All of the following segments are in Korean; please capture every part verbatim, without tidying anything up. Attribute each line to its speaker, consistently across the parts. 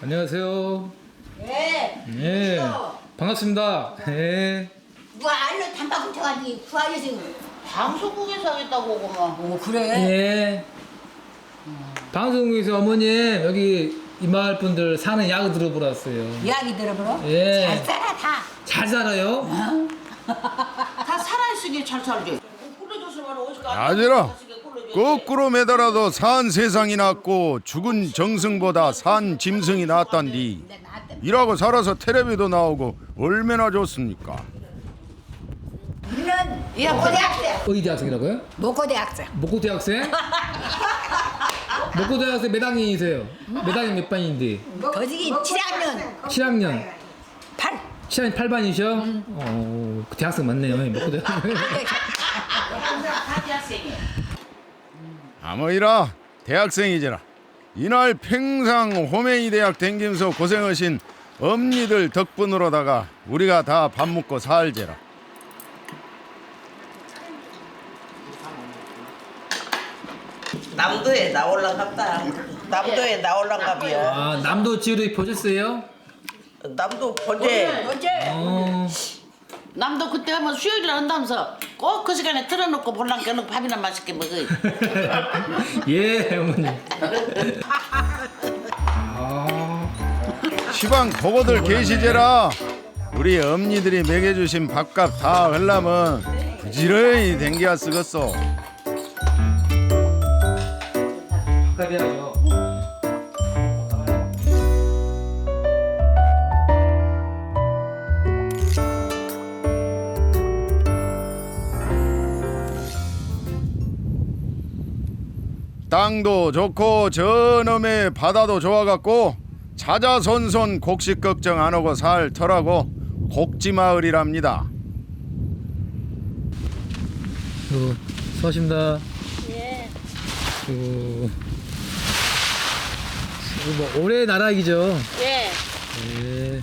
Speaker 1: 안녕하세요.
Speaker 2: 예.
Speaker 1: 네. 반갑습니다. 네.
Speaker 2: 뭐 알로 단박 붙여가지고 구하려서
Speaker 3: 방송국에서 하겠다고 오고만.
Speaker 2: 오 그래?
Speaker 1: 예. 방송국에서 어머님 여기 이 마을 분들 사는 이야기 들어보러 왔어요.
Speaker 2: 이야기 들어보러?
Speaker 1: 예.
Speaker 2: 잘 살아 다.
Speaker 1: 잘 살아요?
Speaker 3: 다 살아있으니 잘 살지.
Speaker 4: 아들아, 거꾸로 매달아도 산 세상이 낫고 죽은 정승보다 산 짐승이 낫단디. 일하고 살아서 텔레비도 나오고 얼마나 좋습니까?
Speaker 2: 우리는 목고대학생.
Speaker 1: 어디 대학생이라고요?
Speaker 2: 목고대학생.
Speaker 1: 목고 대학생? 목고 대학생 몇 학년이세요? 몇 학년 몇 반인데?
Speaker 2: 거지기 칠 학년
Speaker 1: 칠 학년.
Speaker 2: 팔.
Speaker 1: 칠 학년 팔 반이셔? 음. 어, 그 대학생 맞네요. 목고 대학생.
Speaker 4: 아무이라 대학생이지라. 이날 평상 호메이 대학 댕기면서 고생하신 엄니들 덕분으로다가 우리가 다 밥 먹고 살제라.
Speaker 5: 남도에 나올란갑다. 남도에 나올란갑이야.
Speaker 1: 아, 남도 지으러 보셨어요?
Speaker 5: 남도 번제.
Speaker 2: 언제?
Speaker 1: 어.
Speaker 3: 남도 그때 하면 수요일에 한다면서 꼭 그 시간에 틀어놓고 볼랑 껴놓고 밥이나 맛있게 먹어.
Speaker 1: 예, 어머님. 아.
Speaker 4: 시방 보고들 계시제라. 우리 엄니들이 먹여주신 밥값 다 흘라면 부지런히 댕겨야 쓰겠어.
Speaker 1: 밥값이야죠.
Speaker 4: 땅도 좋고 저놈의 바다도 좋아갖고 자자손손 곡식 걱정 안 하고 살 터라고 곡지마을이랍니다.
Speaker 1: 어, 수고하십니다. 예. 어, 뭐 올해 나라기죠.
Speaker 3: 예.
Speaker 1: 예.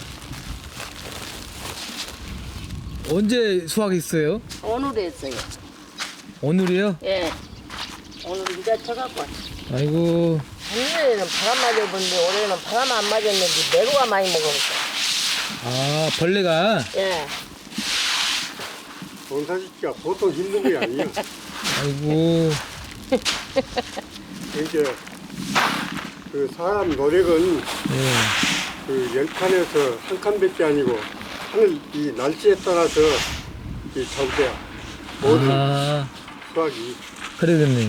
Speaker 1: 언제 수확했어요?
Speaker 3: 오늘 했어요.
Speaker 1: 오늘이요?
Speaker 3: 예. 오늘 이제 쳐갖고.
Speaker 1: 아이고.
Speaker 6: 작년에는 바람 맞아봤는데 올해는 바람 안 맞았는데 내로가 많이 먹었어.
Speaker 1: 아, 벌레가.
Speaker 6: 예.
Speaker 7: 농사짓기가 보통 힘든 게 아니에요.
Speaker 1: 아이고.
Speaker 7: 이제 그 사람 노력은
Speaker 1: 예.
Speaker 7: 그 열 칸에서 한 칸밖에 아니고 하늘 이 날씨에 따라서 이 전대야 모든
Speaker 1: 아,
Speaker 7: 수확이.
Speaker 1: 그러겠네요.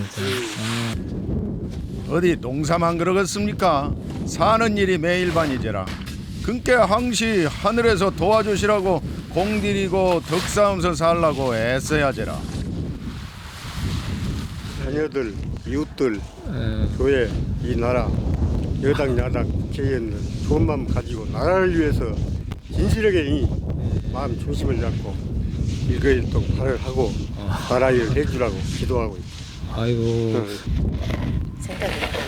Speaker 4: 어디 농사만 그러겠습니까? 사는 일이 매일반이제라. 그께 항시 하늘에서 도와주시라고 공들이고 덕싸움서 살라고 애써야제라.
Speaker 7: 자녀들, 이웃들,
Speaker 1: 예.
Speaker 7: 교회, 이 나라, 여당, 야당, 국회의원들 좋은 마음 가지고 나라를 위해서 진실하게 이 마음 중심을 잡고 일거일동 발을 하고 나라 일을 해주라고 기도하고 있죠.
Speaker 1: 아이고.
Speaker 6: 생각이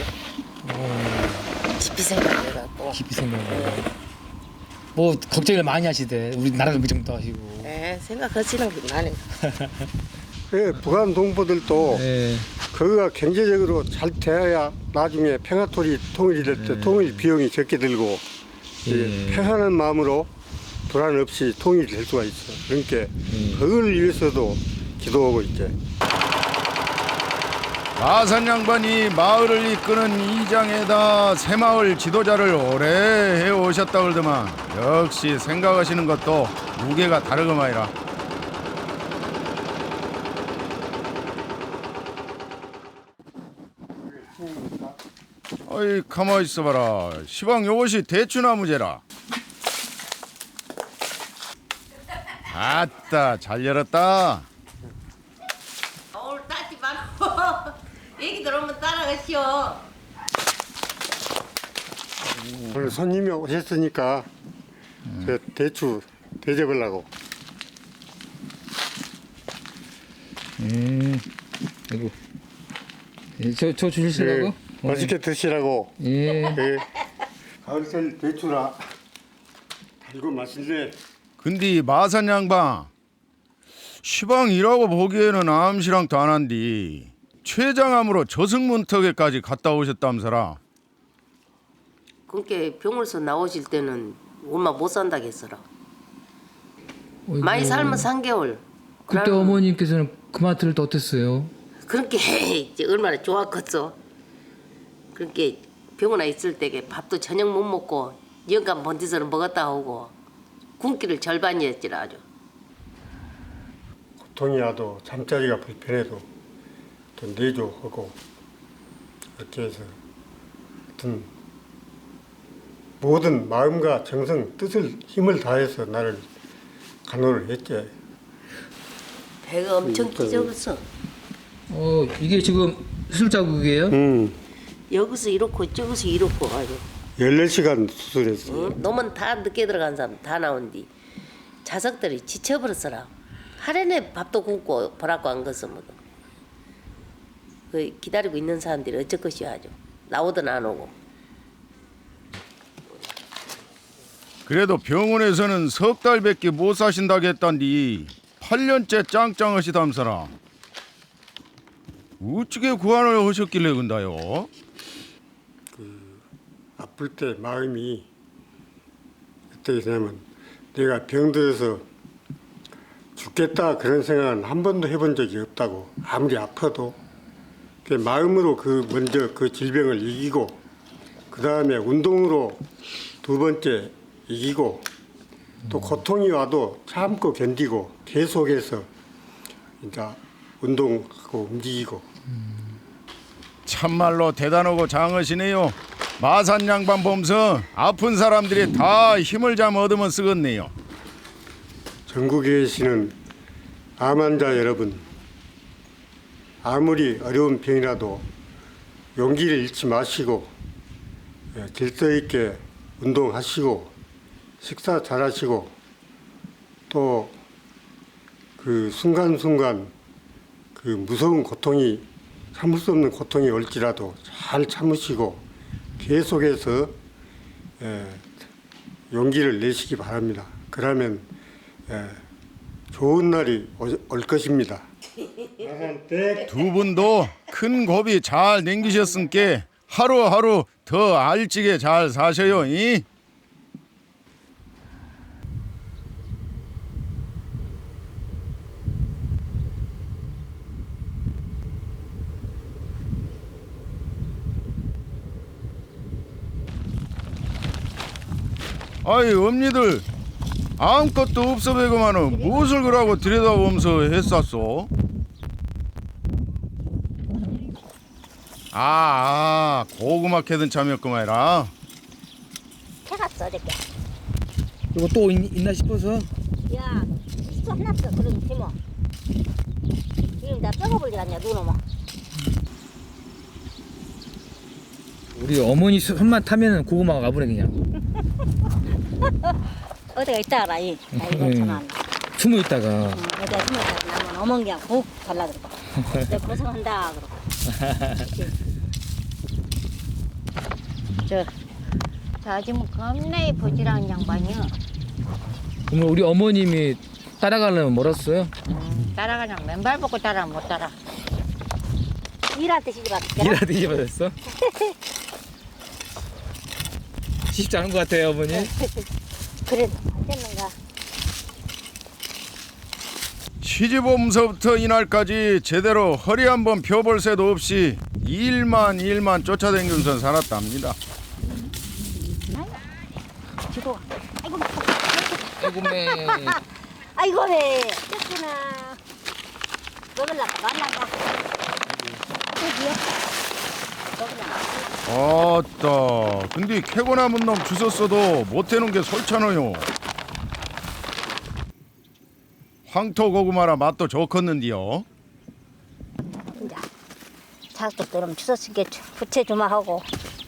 Speaker 6: 나네. 깊이 생각해갖고.
Speaker 1: 깊이 생각해. 뭐 걱정을 많이 하시대. 우리 나라를 그 정도 하시고.
Speaker 6: 예, 생각하시는 게 나네.
Speaker 7: 그 북한 동포들도
Speaker 1: 예.
Speaker 7: 그거가 경제적으로 잘 돼야 나중에 평화토리 통일이 될 때 통일 비용이 적게 들고
Speaker 1: 예.
Speaker 7: 예, 평안한 마음으로 불안 없이 통일이 될 수가 있어. 그러니까 그걸 위해서도 기도하고 있지.
Speaker 4: 마산 양반이 마을을 이끄는 이장에다 새마을 지도자를 오래 해오셨다 그러더만 역시 생각하시는 것도 무게가 다르구마이라. 어이 가만히 있어봐라. 시방 요것이 대추나무제라. 아따 잘 열었다.
Speaker 3: 오늘 따지 말고 얘기 들으면 따라가시오.
Speaker 7: 오늘 손님이 오셨으니까 저 대추 대접하려고.
Speaker 1: 음. 아이고. 예, 저, 저 주시라고?
Speaker 7: 예, 맛있게 드시라고.
Speaker 1: 예.
Speaker 7: 예. 가을철 대추라 달고 맛있네.
Speaker 4: 근데 마산 양반 시방이라고 보기에는 암시랑도 안 한디 최장암으로 저승문턱에까지 갔다 오셨다면서라.
Speaker 6: 그렇게 병원에서 나오실 때는 얼마 못 산다고 했어라.
Speaker 1: 어이구.
Speaker 6: 많이 살면 삼 개월.
Speaker 1: 그때
Speaker 6: 그러면
Speaker 1: 어머님께서는 그 마트를 또 어땠어요?
Speaker 6: 그렇게 이제 얼마나 좋았겠어. 그렇게 병원에 있을 때 밥도 저녁 못 먹고 영감 본디서는 먹었다 오고 굶기를 절반이었지라 아주.
Speaker 7: 고통이 와도 잠자리가 불편해도 또 내조하고 이렇게 해서 어떤 모든 마음과 정성, 뜻을 힘을 다해서 나를 간호를 했지.
Speaker 6: 배가 엄청 찢어졌어.
Speaker 1: 어 이게 지금 수술 자국이에요?
Speaker 7: 음,
Speaker 6: 여기서 이렇고 저기서 이렇고 아주.
Speaker 7: 열네 시간 수술했어.
Speaker 6: 응? 놈은 다 늦게 들어간 사람 다 나온 뒤 자석들이 지쳐버렸어라. 하루에 밥도 굶고 보라고 안 갔으면 그 기다리고 있는 사람들이 어쩔 것이야 아주. 나오든 안 오고.
Speaker 4: 그래도 병원에서는 석 달밖에 못 사신다고 했단디 팔 년째 짱짱하시담서라. 어찌게 구안을 하셨길래 근다요?
Speaker 7: 아플 때 마음이 어떻게 되냐면 내가 병들어서 죽겠다 그런 생각은 한 번도 해본 적이 없다고. 아무리 아파도 그 마음으로 그 먼저 그 질병을 이기고 그 다음에 운동으로 두 번째 이기고 또 고통이 와도 참고 견디고 계속해서 이제 운동하고 움직이고.
Speaker 4: 참말로 대단하고 장하시네요. 마산 양반 보면서 아픈 사람들이 다 힘을 잠 얻으면 쓰겠네요.
Speaker 7: 전국에 계시는 암 환자 여러분, 아무리 어려운 병이라도 용기를 잃지 마시고 예, 질서 있게 운동하시고 식사 잘하시고 또 그 순간순간 그 무서운 고통이 참을 수 없는 고통이 올지라도 잘 참으시고 계속해서 예, 용기를 내시기 바랍니다. 그러면 예, 좋은 날이 오- 올 것입니다.
Speaker 4: 두 분도 큰 고비 잘 넘기셨으니까 하루하루 더 알찌게 잘 사셔요. 이? 아이 엄니들 아무것도 없어 배고만은 무엇을 그러고 들여다보면서 했었소? 아, 아 고구마 캐던 참이었구만이라.
Speaker 8: 해갔어 어저께.
Speaker 1: 이거 또 있, 있나 싶어서.
Speaker 8: 야, 시초 해놨어. 그런 팀어. 지금 나 뼈가 불리겠냐 누놈아.
Speaker 1: 우리 어머니 손만 타면은 고구마가 가버려 그냥.
Speaker 8: 어디가 있다라 이. 나 이거
Speaker 1: 음.
Speaker 8: 참아.
Speaker 1: 숨어 있다가.
Speaker 8: 응, 어디가 숨었다 나면 어멍이야 훅 달라들고. 내 고생한다 그러고. 저, 자 지금 겁나 부지런한 양반이요.
Speaker 1: 그러면 우리 어머님이 따라가려면 멀었어요?
Speaker 8: 음, 따라가냐 맨발 벗고 따라 못 따라. 일할 때 시집 왔겠다.
Speaker 1: 일하듯 이제 받았어? 쉽지 않은 것 같아요 어머니.
Speaker 8: 그래도 안 됐는가.
Speaker 4: 시집 오면서부터 이날까지 제대로 허리 한번 펴볼 새도 없이 일만 일만 쫓아다니면서 살았답니다.
Speaker 8: 지고. 아이고
Speaker 1: 아이고 매.
Speaker 8: 아이고 왜 쫓기나. 먹을라고 말라가. 어디야? 먹을라고.
Speaker 4: 아따 근데 캐고 남은 놈 주웠어도 못 해놓은 게 솔찬어요. 황토 고구마라 맛도 좋겠는데요.
Speaker 8: 이제 자식도 그럼 추석에 부채 주마 하고.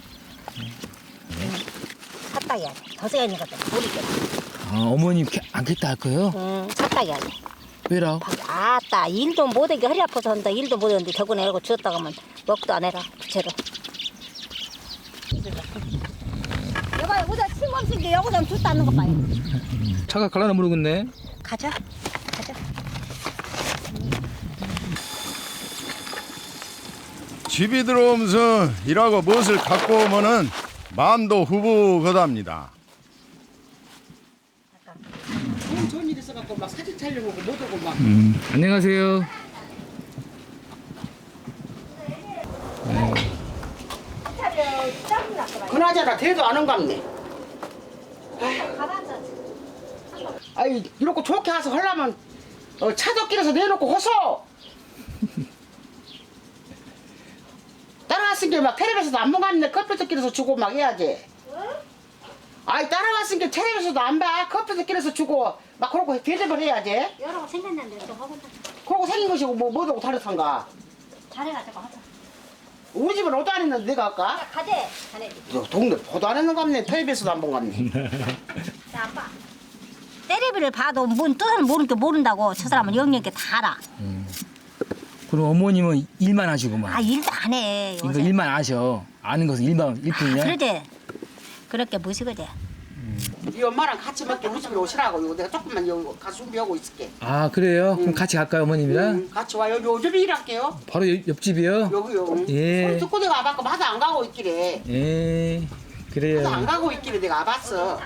Speaker 8: 삿다기 하지. 더세가니거든 모르겠다.
Speaker 1: 아 어머님 캐- 안 겠다 할 거예요?
Speaker 8: 응, 삿다기 하지.
Speaker 1: 왜라?
Speaker 8: 아따 일도 못하게 허리 아파서 한다. 일도 못하는데 저번에 이러고 주었다 가면 먹도 안 해라 부채로. 여봐 여기다 침 없은 게 여기다 줬다 는 거 봐요.
Speaker 1: 차가 갈라나 모르겠네.
Speaker 8: 가자 가자.
Speaker 4: 집이 들어오면서 일하고 무엇을 갖고 오면은 마음도 후부거답니다.
Speaker 3: 좋은 좋은 일 있어갖고 막 사진 촬영하고 못 오고 막.
Speaker 1: 음, 안녕하세요.
Speaker 3: 그나저나 대도 안 온갑네. 아이 이렇게 좋게 와서 하려면 어, 차도길에서 내놓고 호소. 따라갔은 게 막 텔레비에서도 안 먹었는데 컴퓨터길에서 주고 막 해야지. 아이 따라갔은 게 텔레비에서도 안 봐. 컴퓨터길에서 주고 막 그러고 대접을 해야지.
Speaker 8: 여러 거 생겼는데 좀 하고
Speaker 3: 그러고 생긴 것이고 뭐 뭐하고 다르던가.
Speaker 8: 잘해가지고 하자.
Speaker 3: 우리 집은 오도 안 했는데 내가 할까?
Speaker 8: 가재 자네.
Speaker 3: 너 동네 보도 안 했는 갑네. 텔레비에서도 안 본 갑네.
Speaker 8: 자 아빠. 때리비를 봐도 뭔 뜻을 모르니까 모른다고. 저 사람은 영영게 다 알아.
Speaker 1: 그럼 어머님은 일만 하시고만.
Speaker 8: 아 일도 안 해.
Speaker 1: 이거
Speaker 8: 요새.
Speaker 1: 일만 아셔. 아는 것은 일만 일뿐이야.
Speaker 8: 그러지. 그렇게 무식하지.
Speaker 3: 이 엄마랑 같이 먹게 우리 집에 오시라고. 이거 내가 조금만 여기 가서 준비하고 있을게.
Speaker 1: 아 그래요? 그럼 같이 갈까요 어머님이랑?
Speaker 3: 응, 같이 와. 여기 요즘에 일할게요.
Speaker 1: 바로 옆, 옆집이요?
Speaker 3: 여기요.
Speaker 1: 예.
Speaker 3: 소리 듣고 내가 와봤고 마도 안 가고 있길래.
Speaker 1: 예. 그래요.
Speaker 3: 마도 안 가고 있길래 내가 와봤어.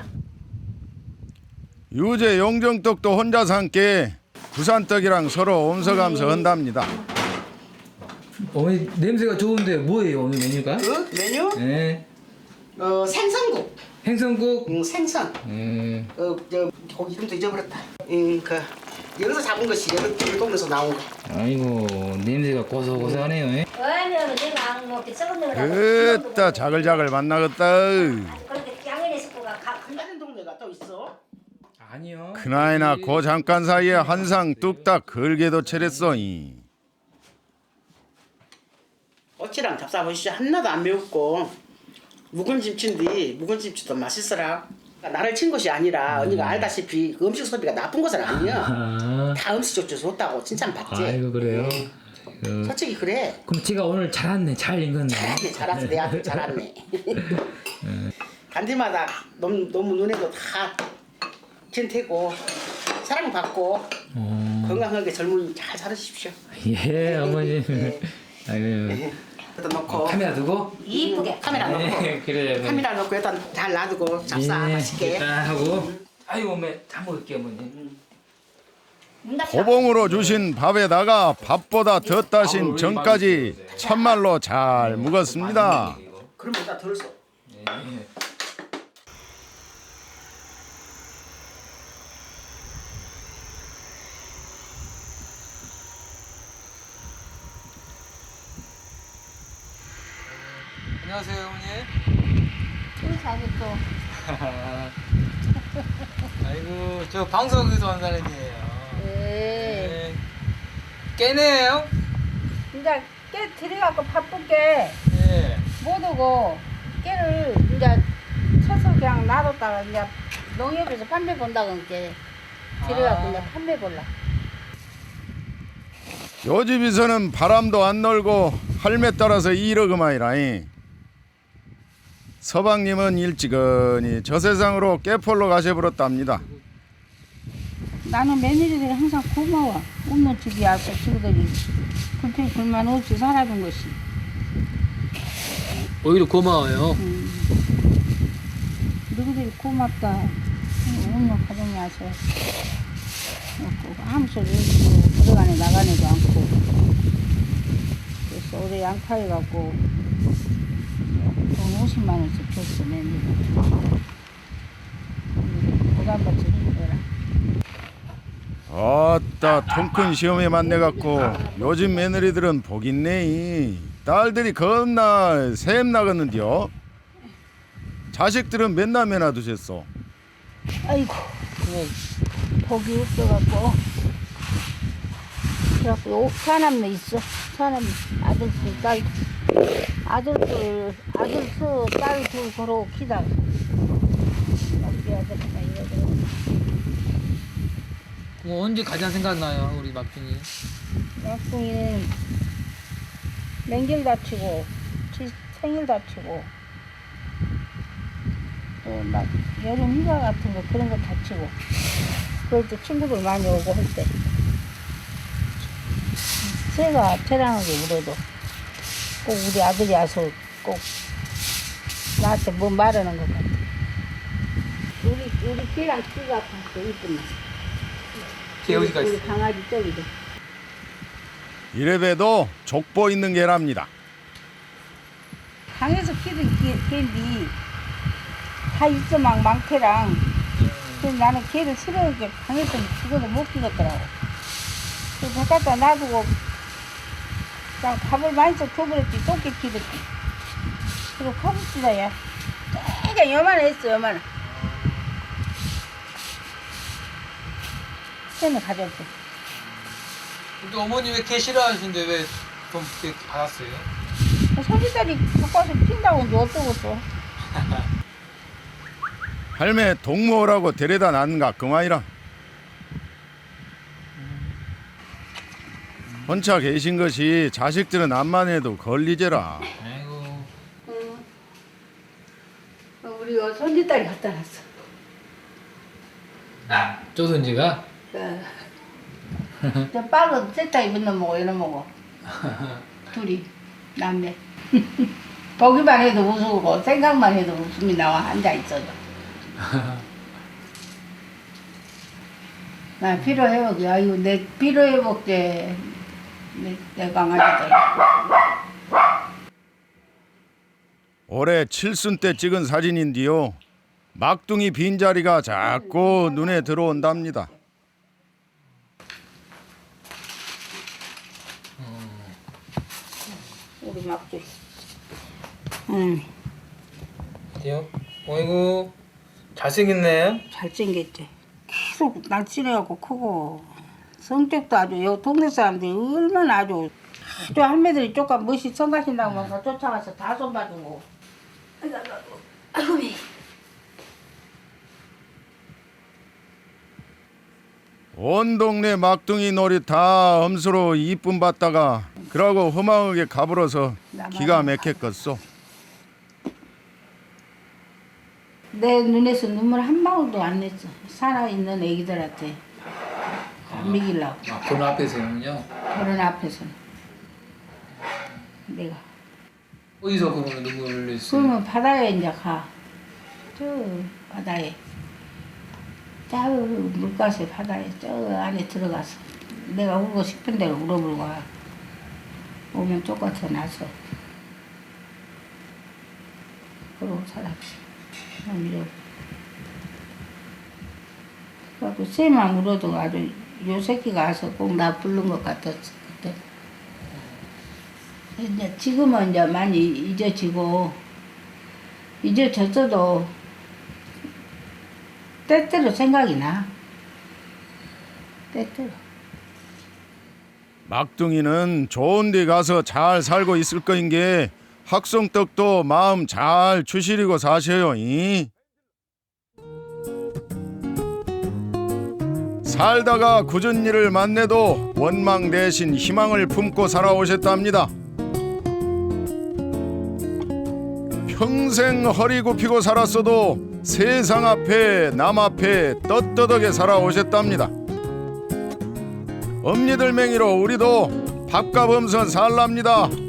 Speaker 4: 유재 용정떡도 혼자 산게 부산떡이랑 서로 옴서감서 한답니다.
Speaker 1: 어머니 냄새가 좋은데 뭐예요 오늘 메뉴가?
Speaker 3: 그 메뉴?
Speaker 1: 예.
Speaker 3: 어 생선국.
Speaker 1: 행성국.
Speaker 3: 응, 생선.
Speaker 1: 예.
Speaker 3: 어, 저 고기 이름도 잊어버렸다. 응, 그 여기서 잡은 것이 여기 우리 동네에서 나온 거.
Speaker 1: 아이고 냄새가 고소고소하네요. 예?
Speaker 8: 왜냐면 내가 안 먹게 썩은 데가
Speaker 4: 으따 자글자글 만나겠다.
Speaker 8: 그렇게 양현의 식구가 가.
Speaker 3: 다른 동네가 또 있어.
Speaker 1: 아니요.
Speaker 4: 그나이나 고 잠깐 사이에 한상 뚝딱 걸게도 차렸어이.
Speaker 3: 어찌랑 잡숴보시죠. 하나도 안 매웠고 묵은 김치인데 묵은 김치도 맛있어라. 그러니까 나를 친 것이 아니라 언니가 알다시피 그 음식 소비가 나쁜 것은 아니야.
Speaker 1: 아.
Speaker 3: 다 음식 좋죠 좋다고 칭찬받지.
Speaker 1: 아이고 그래요. 그,
Speaker 3: 솔직히 그래.
Speaker 1: 그럼 제가 오늘 잘 왔네. 잘 익었네.
Speaker 3: 잘했네 잘했어 내 아들 잘했네. 간디마다 너무, 너무 눈에도 다 찐태고 사랑받고
Speaker 1: 어.
Speaker 3: 건강하게 젊은이 잘 살으십시오.
Speaker 1: 예 어머님.
Speaker 3: 네.
Speaker 1: 아이고.
Speaker 3: 여기다 놓고
Speaker 1: 카메라 두고.
Speaker 3: 이쁘게 카메라 놓고
Speaker 1: 네, 그래요.
Speaker 3: 카메라 놓고 일단 잘 놔두고 잡사
Speaker 1: 예,
Speaker 3: 맛있게.
Speaker 1: 일단 하고. 아이고 어머니 잘 먹을게요 어머니.
Speaker 4: 호봉으로 주신 밥에다가 밥보다 더 따신 전까지 참말로 잘 묵었습니다.
Speaker 3: 그러면 일단 덜 써.
Speaker 1: 안녕하세요 어머니.
Speaker 8: 또 자기 또.
Speaker 1: 아이고 저 방송에서 온 사람이에요.
Speaker 8: 네.
Speaker 1: 깨네요.
Speaker 9: 이제 깨 들여갖고 바쁘게
Speaker 1: 예.
Speaker 9: 못 오고 깨를 이제 쳐서 그냥 놔뒀다가 이제 농협에서 판매 본다고 이제 들여갖고
Speaker 1: 아.
Speaker 9: 이제 판매 볼라.
Speaker 4: 요 집에서는 바람도 안 놀고 할매 따라서 이러그마이라잉. 서방님은 일찌감치 저 세상으로 깨폴로 가셔버렸답니다.
Speaker 9: 나는 며느리들이 항상 고마워. 없는 집이 와서 친구들이 불평 불만 없이 살아준 것이.
Speaker 1: 오히려 고마워요.
Speaker 9: 누구들이 고맙다. 없는 가정이 와서 아무 소리 없고 들어가네 나가네도 않고. 그래서 올해 양파해갖고 돈 오십만 원씩 줬어 며느리가. 부담받지 힘들어.
Speaker 4: 아따 통큰 시험에 만나갖고 요즘 며느리들은 복 있네. 딸들이 겁나 샘 나갔는데요. 자식들은 맨날 맨날 두셨어.
Speaker 9: 아이고, 그래. 복이 없어갖고. 그래갖고, 사남매 있어. 사남, 아들 둘, 딸. 아들들, 아들 수, 딸 둘 걸어 키다가. 우리 아들이나 이러더라고.
Speaker 1: 뭐 언제 가장 생각나요 우리 막둥이?
Speaker 9: 막둥이는 맹길 다치고, 지- 생일 다치고, 또 막 여름 휴가 같은 거 그런 거 다치고, 그럴 때 친구들 많이 오고 할 때. 새가 태랑하게 울어도 꼭 우리 아들이 와서 꼭 나한테 뭐 말하는 것 같아. 우리 우리 개랑 키가 같아 이쁘네.
Speaker 10: 개 어디가
Speaker 9: 우리
Speaker 10: 있어?
Speaker 9: 강아지 저기도.
Speaker 4: 이래봬도 족보 있는 개랍니다.
Speaker 9: 강에서 키는 개, 개인데 다 있어 막 많게랑. 그래서 나는 개를 싫어하니까 강에서 죽어도 못 키겠더라고. 그래서 갖다 놔두고 그냥 밥을 많이 좀 줘버렸지. 똥개 키듯이. 그리고 커브치다 야. 되게 요만했어 요만해. 걔는 가졌대.
Speaker 10: 근데 어머니 왜 개 싫어하시는데 왜 돈 받았어요?
Speaker 9: 손짓딸이 갖고 와서 핀다고 이제 어쩌고 또.
Speaker 4: 할매 동무라고 데려다 놨는가 그만이라. 혼자 계신 것이 자식들은 암만 해도 걸리제라.
Speaker 10: 아이고.
Speaker 9: 우리 손짓딸이 갖다 놨어.
Speaker 1: 쪼든지가
Speaker 9: 저 빨간 세타 입은 놈 먹어 이놈 먹어. 둘이 남매. 보기만 해도 웃고 생각만 해도 웃음이 나와 앉아 있어도. 나 피로 회복이 아이고 내 피로 회복제 내, 내 강아지들.
Speaker 4: 올해 칠순 때 찍은 사진인데요. 막둥이 빈자리가 자꾸 눈에 들어온답니다.
Speaker 9: 우리 막둥이. 응.
Speaker 10: 어때요? 어이구 잘생겼네.
Speaker 9: 잘생겼지. 계속 날씬해갖고 크고 성격도 아주 여 동네 사람들이 얼마나 아주 아주 할매들이 조금 멋이 성가신다고 막 쫓아가서 다 손봐주고. 아이고 아이고 아이고.
Speaker 4: 온 동네 막둥이 놀이 다 엄수로 이쁨 받다가 그러고 허망하게 가불어서 기가 막혔겠소.
Speaker 9: 내 눈에서 눈물 한 방울도 안 냈어. 살아있는 애기들한테 안 먹이려고.
Speaker 10: 아, 결혼 앞에서는요?
Speaker 9: 결혼 앞에서는. 내가.
Speaker 10: 어디서 그러면 눈물을 흘렸어요?
Speaker 9: 그러면 바다에 이제 가. 저 바다에. 저 물가에 바다에 저 안에 들어가서 내가 울고 싶은 대로 울어불고 와. 오면 쫓아서 나서. 그러고 살았지. 이래. 그래갖고 쟤만 울어도 아주 요 새끼가 와서 꼭 나 부른 것 같았어 그때. 이제 지금은 이제 많이 잊어지고 잊어졌어도 때때로 생각이 나. 때때로.
Speaker 4: 막둥이는 좋은 데 가서 잘 살고 있을 거인 게 학성떡도 마음 잘 추스리고 사셔요. 이? 살다가 굳은 일을 만나도 원망 대신 희망을 품고 살아오셨답니다. 평생 허리 굽히고 살았어도 세상 앞에 남 앞에 떳떳하게 살아오셨답니다. 엄니들 맹이로 우리도 밥값 없선 살랍니다.